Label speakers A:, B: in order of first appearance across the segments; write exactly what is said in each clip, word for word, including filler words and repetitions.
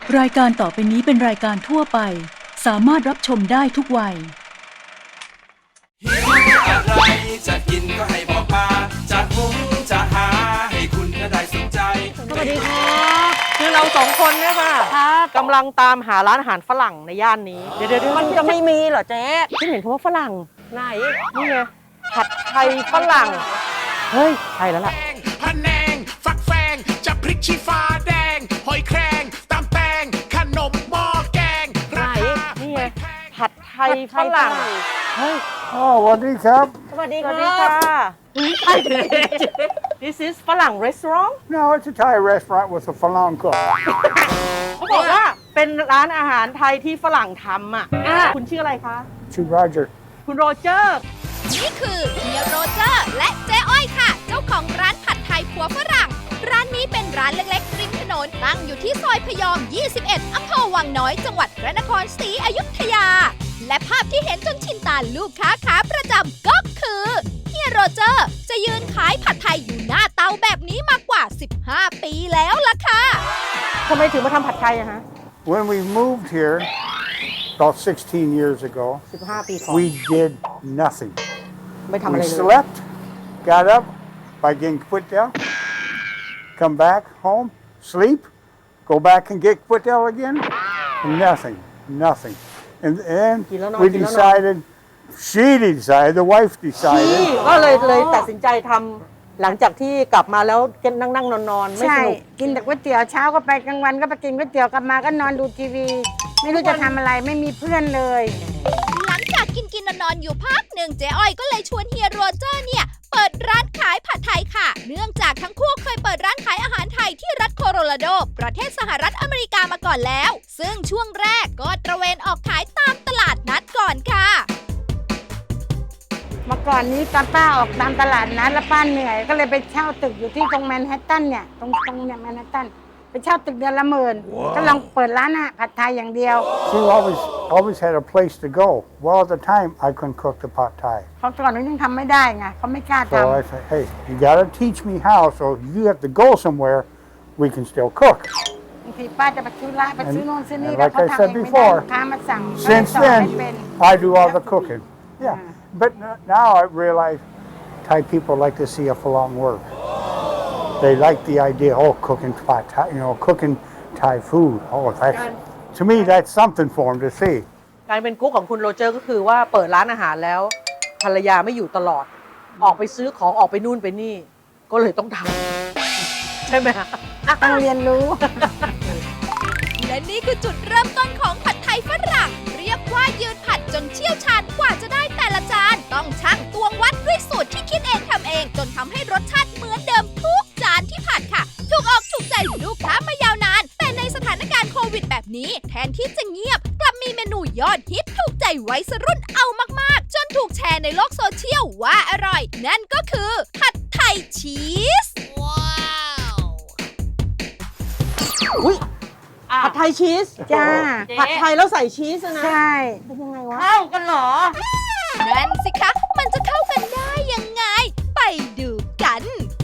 A: รายการต่อไปนี้เป็นรายการทั่วไปสามารถรับชมได้ทุกวัย
B: หิวอะไรจะกินก็ให้บอกมาจะหุงจะหาให้คุณได้สนใจ
C: สวัสดีครับคือเราสองคนเนี่ยค่ะกำลังตามหาร้านอาหารฝรั่งในย่านนี้เดี๋ยวเดี๋ยวมันจะไม่มีเหรอเจ๊ที่เห็นคำว่าฝรั่งไหนนี่ไงผัดไทยฝรั่งเฮ้ยใช่แล้วล่ะ
D: พะแนงฟักแฟงจะพริกชี้ฟ้าแดงหอยแครงตำแตงขนมหม้อแกง
C: ไหนนี่ไงผัดไทยฝรั่งเฮ้ย
E: อ๋อสวัสดีครับ
C: สวัสดีค่ะใช่เลย This is ฝรั่ง restaurant
E: No it's a Thai restaurant with a Falang cook
C: เขาบอกว่าเป็นร้านอาหารไทยที่ฝรั่งทำอ่ะคุณชื่ออะไรคะ
E: ชื่อโรเจอร์
C: คุณโรเจอร์
F: นี่คือเฮียโรเจอร์และเจ๊อ้อยค่ะเจ้าของร้านผัดไทยผัวฝรั่งร้านนี้เป็นร้านเล็กๆริมถนนตั้งอยู่ที่ซอยพยอมยี่สิบเอ็ดอำเภอวังน้อยจังหวัดพระนครศรีอยุธยาและภาพที่เห็นจนชินตาลูกค้าขาประจำก็คือเฮียโรเจอร์จะยืนขายผัดไทยอยู่หน้าเตาแบบนี้มากว่าสิบห้าปีแล้วล่ะค่ะ
C: ทำไมถึงมาทำผัดไทยอะฮะ
E: When we moved here about sixteen years ago
C: สิบห้าปีก่อน
E: we did nothing
C: ไม่ทำอะไร
E: we
C: เลย
E: slept got up by getting put down come back home sleep go back and get put down again nothing nothing and then we decided she decided the wife decided
C: ก็เลยเลยตัดสินใจทำหลังจากที่กลับมาแล้วนั่งนั่งนอนนอนไม่สนุก
G: กินแต่ก๋วยเตี๋ยวเช้าก็ไปกลางวันก็ไปกินก๋วยเตี๋ยวกลับมาก็นอนดูทีวีไม่รู้จะทำอะไรไม่มีเพื่อนเลย
F: หลังจากกินกินนอนๆอยู่พักหนึ่งเจ๊อ้อยก็เลยชวนเฮียโรเจอร์เนี่ยเปิดร้านขายผัดไทยค่ะเนื่องจากทั้งคู่เคยเปิดร้านขายอาหารไทยที่รัฐโคโลราโดประเทศสหรัฐอเมริกามาก่อนแล้วซึ่งช่วงแรกก็ตระเวนออกขายตามตลาดนัดก่อนค่ะ
G: เมื่อก่อนนี้ตอนป้าออกตามตลาดนัดแล้วป้าเหนื่อยก็เลยไปเช่าตึกอยู่ที่ตรงแมนฮัตตันเนี่ยตรงตรงเนี่ยแมนฮัตตันไปเช่าตึกเดือนละหมื่นก็ลองเปิดร้านอะผัดไทยอย่างเดียว
E: She always always had a place to go well at the time I couldn't cook the pot thai
G: เขาก่อนนู้นยังทำไม่ได้ไงเขาไม่กล้าทำ
E: so I said hey you gotta teach me how so if you have to go somewhere we can still cook
G: บางทีป้าจะไปซื้อร้านไปซื้อโน่นซื้อนี่
E: and
G: แล้ว
E: like
G: เขา
E: I
G: ทำเอ
E: said
G: งไม่ได้
E: before
G: ลูกค้ามาสั่ง
E: since then I do all the cooking yeah but now I realize Thai people like to see a Falang work they like the idea oh cooking pot Thai you know cooking Thai food oh that's to me that's something for them to see
C: การเป็นกุ๊กของคุณโรเจอร์ก็คือว่าเปิดร้านอาหารแล้วภรรยาไม่อยู่ตลอดออกไปซื้อของออกไปนู่นไปนี่ก็เลยต้องทำใช่ไหมฮะ
G: ต้องเรียนรู้
F: และนี่คือจุดเริ่มต้นของผัดไทยฝรั่งเรียกว่ายืนผัดจนเชี่ยวชาญกว่าจะได้แต่ละจานต้องชั่งตวงวัดด้วยสูตรที่คิดเองทำเองจนทำให้รสชาติเหมือนเดิมทุกจานที่ผัดค่ะถูกออกถูกใจลูกค้ามายาวนานแต่ในสถานการณ์โควิดแบบนี้แทนที่จะเงียบกลับมีเมนูยอดฮิตถูกใจวัยรุ่นเอามากๆจนถูกแชร์ในโลกโซเชียลว่าอร่อยนั่นก็คือผัดไทยชีสว้าว
C: อุ้ยผัดไทยชีส
G: จ้า
C: ผัดไทยแล้วใส่ชีสนะ
G: ใช่
C: เป็นยังไงวะ
G: เข้ากันเหรอ
F: นั่นสิคะมันจะเข้ากันได้ยังไงไปดูกัน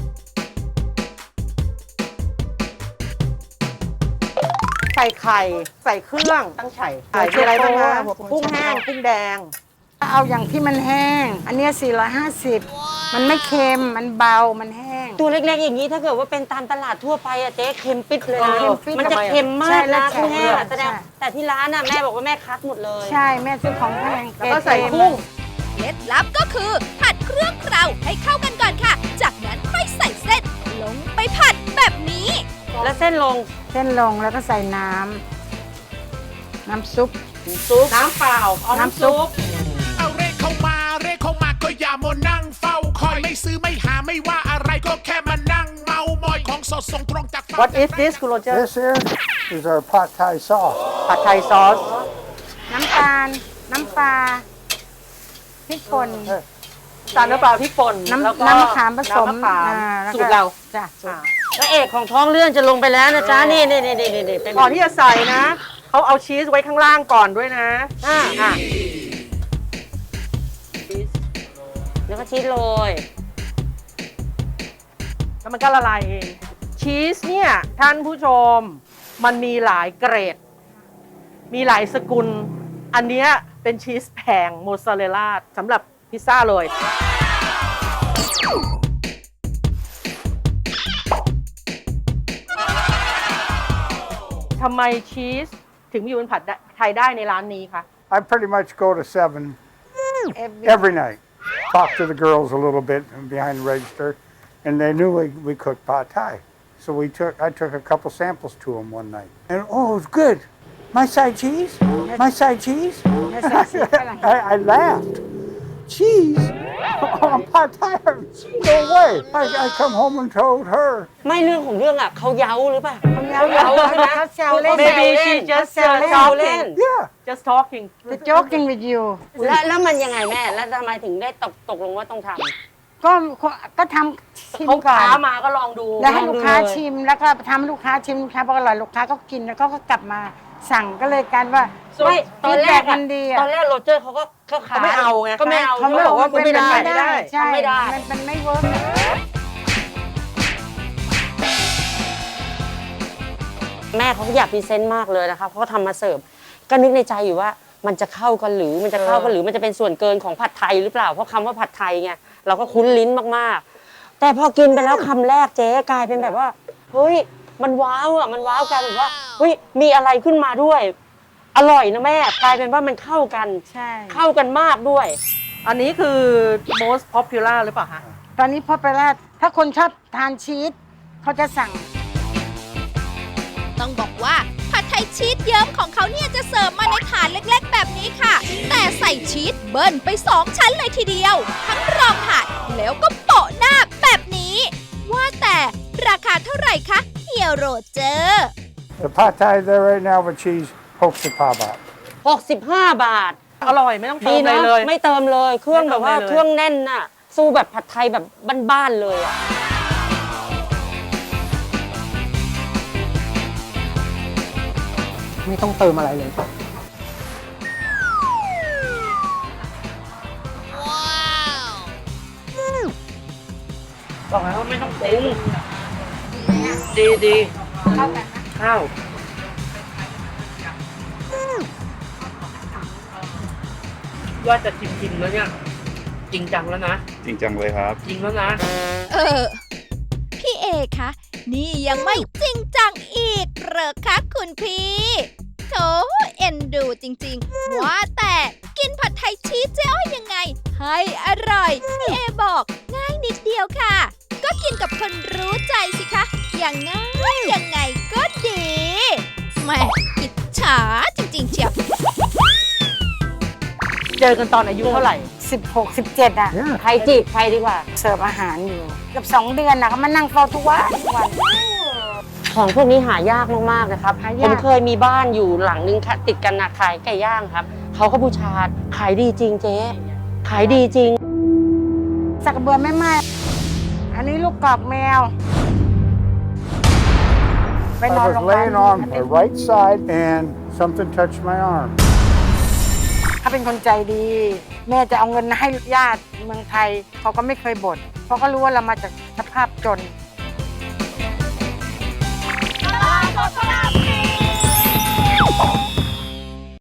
C: ใส่ไข่ใส่เครื่องตั้งไข่ใส่อะไรบ้างนะกุ้งแห้งกุ้งแดง
G: เอาอย่างที่มันแห้งอันนี้สี่ร้อยห้าสิบมันไม่เค็มมันเบามันแห้ง
H: ตัวเล็กๆอย่างนี้ถ้าเกิดว่าเป็นตามตลาดทั่วไปอะเจ๊เค็มปิดเลยนะมันจะเค็มมากนะกุ้งแห้งแสดงแต่ที่ร้านน่ะแม่บอกว่าแม่คัดหมดเลย
G: ใช่แม่ซื้อของแพง
C: แล้วก็ใส่กุ้ง
F: เคล็ดลับก็คือผัดเครื่องเคล้าให้เข้ากันก่อนค่ะจากนั้นค่อยใส่เส้นลงไปผัดแบบนี้
H: แล้วเส้นลง
G: เส้นลงแล้วก็ใส่น้ำน้ำซุป
C: ซุปน้ำเปล่าเอาน้ำซุป
D: เอาเร่เข้ามาเร่เข้ามาก็อย่ามัวนั่งเฝ้าคอยไม่ซื้อไม่หาไม่ว่าอะไรก็แค่มานั่งเมามอยของสดส่งตรงจาก
C: What is this คุณโรเจอร์
E: This here is our pot Thai sauce
C: ผัดไทยซอส
G: น้ำตาลน้ำปลาพริกป่น
C: ตาลน้ำปลาพริกป่น
G: น้ำน้ำมะขามผสม
C: สูตรเรา
G: จ้ะ
H: พระเอกของท้องเรื่องจะลงไปแล้วนะจ๊ะนี่นี่นี่นี่นี่
C: ก่อนที่จะใส่นะเขาเอาชีสไว้ข้างล่างก่อนด้วยนะอ่าอ่ะ
H: แล้วก็ชีสโรย
C: แล้วมันก็ละลายเองชีสเนี่ยท่านผู้ชมมันมีหลายเกรด มีหลายสกุล อันเนี้ยเป็นชีสแพงโมซาเรลล่าสำหรับพิซซ่าเลยทำไมชีสถึงมีอยู่บนผัดไทยได้ในร้านนี้คะ
E: I pretty much go to seven
G: Every-
E: every night. Talk to the girls a little bit behind the register, and they knew we, we cooked pad thai. So we took I took a couple samples to them one night, and oh, it was good. My side cheese, my side cheese. I, I laughed. Cheese on pad thai? No way! I, I come home and told her.
H: ไม่เรื่องของเรื่องอ่ะเขาเย้าหรือเปล่า
G: เขาเย้าเย้า
H: ใช่ไหม
G: เขาแซวเล่น
C: Maybe she just
H: แซว
C: uh,
H: เล่น
C: talking
E: Yeah.
C: just talking
G: The joking with you
H: แล้วแล้วมันยังไงแม่ แล้วทำไมถึงได้ตกตกลงว่าต้องทำ
G: ก็ก็ทำชิม
C: เขา
G: ก่อ
C: ค้าน มาก็ลองดู
G: แล้วให้ลูกค้า
H: ลองดูเลย
G: ชิมแล้วก็ทำให้ลูกค้าชิมลูกค้าบอกอร่อยลูกค้าก็กินแล้วก็กลับมาสั่งก็เลยกันว่า
H: ไม่ตอนแรก
G: feedback มันดีอะ
H: ตอนแรกโรเจอร์เขาก็ก็ขาย
C: เขาไม่เอาไง
H: ก็ไม่เอา
C: เขาบอกว่า
G: มัน
C: ไม่ได้
G: ไม่ได้ใช่
H: ไม่ได้
G: มันมันไม่เวิร์ก
H: แม่เขาอยากพรีเซนต์มากเลยนะคะเพราะเขาทำมาเสิร์ฟก็นึกในใจอยู่ว่ามันจะเข้ากันหรือมันจะเข้ากันหรือมันจะเป็นส่วนเกินของผัดไทยหรือเปล่าเพราะคำว่าผัดไทยไงเราก็คุ้นลิ้นมากๆ แต่พอกินไปแล้วคำแรกเจ๊กลายเป็นแบบว่าเฮ้ยมันว้าวอ่ะมันว้าวกันแบบว่าเฮ้ยมีอะไรขึ้นมาด้วย อร่อยนะแม่กลายเป็นว่ามันเข้ากัน
G: ใช่
H: เข้ากันมากด้วย
C: อันนี้คือ most popular หรือเปล่าคะ
G: ตอนนี้พอไปแล้วถ้าคนชอบทานชีสเขาจะสั่ง
F: ต้องบอกว่าผัดไทยชีสเยิ้มของเขาเนี่ยจะเสิร์ฟมาในถาดเล็กๆ แบบนี้ค่ะ แต่ใส่ชีสเบิ้ลไปสองชั้นเลยทีเดียว ทั้งรองผัดแล้วก็โปะหน้าแบบนี้ ว่าแต่ราคาเท่าไหร่คะเฮียโรเจอร์
E: The pad thai there right now with cheese, sixty-five baht.
H: หกสิบห้า บาท
C: อร่อยไม่ต้องเติ
H: ดี
C: มอะไร
H: นะ
C: เลย
H: ไม่เติมเลย เครื่อง
C: ไม่
H: แบ
C: เติม
H: บว่า
C: อะไรเลย
H: เครื่องแน่นน่ะ สู้แบบผัดไทยแบบบ้านๆเลยอ่ะ
C: ไม่ต้องเติมอะไรเลย บอกแล้วว่าไม่ต้องปรุงดีดีข้าวกันข้าวว่าจะชิมชิมแล้วเนี่ย จริงจังแล้วนะ
I: จริงจังเลยครับ
C: จริงแล้วนะ
F: เออ พี่เอคะ นี่ยังไม่จริงจังอีกเหรอคะคุณพี่โถเอ็นดูจริงๆ ว่าแต่กินผัดไทยชีสเจ๊อ้อยยังไง ให้อร่อย พี่เอบอกง่ายนิดเดียวค่ะ ก็กินกับคนรู้ใจสิคะ อย่างง่ายยังไงก็ดีแหม่อิจฉาจริงๆเชียว
C: เจอกันตอนอายุเท่าไหร่
G: สิบหก สิบเจ็ดอ่ะ
E: Yeah.
H: ใครจีบใครดีกว่า
G: เสิร์ฟอาหารอยู่เกือบสองเดือนนะเขามานั่งเฝ้าทุกวันทุกวัน
H: ของพวกนี้หายากมากๆนะครับ
G: หา
H: ผ
G: ยาก
H: มเคยมีบ้านอยู่หลังนึงค่ะติดกันนะขายไก่ย่างครับ เขาก็บูชาขายดีจริงเจ๊ ขายดีจริง
G: สักกระเบือไม่ไหม้อันนี้ลูกกรอกแมว ไปนอน
E: I
G: โรงพ
E: was
G: ยาบาล
E: laying on my right side and something touched my arm.
G: เขาเป็นคนใจดี แม่จะเอาเงินให้ญาติเมืองไทย เขาก็ไม่เคยบ่นเพราะเขารู้ว่าเรามาจากสภาพจน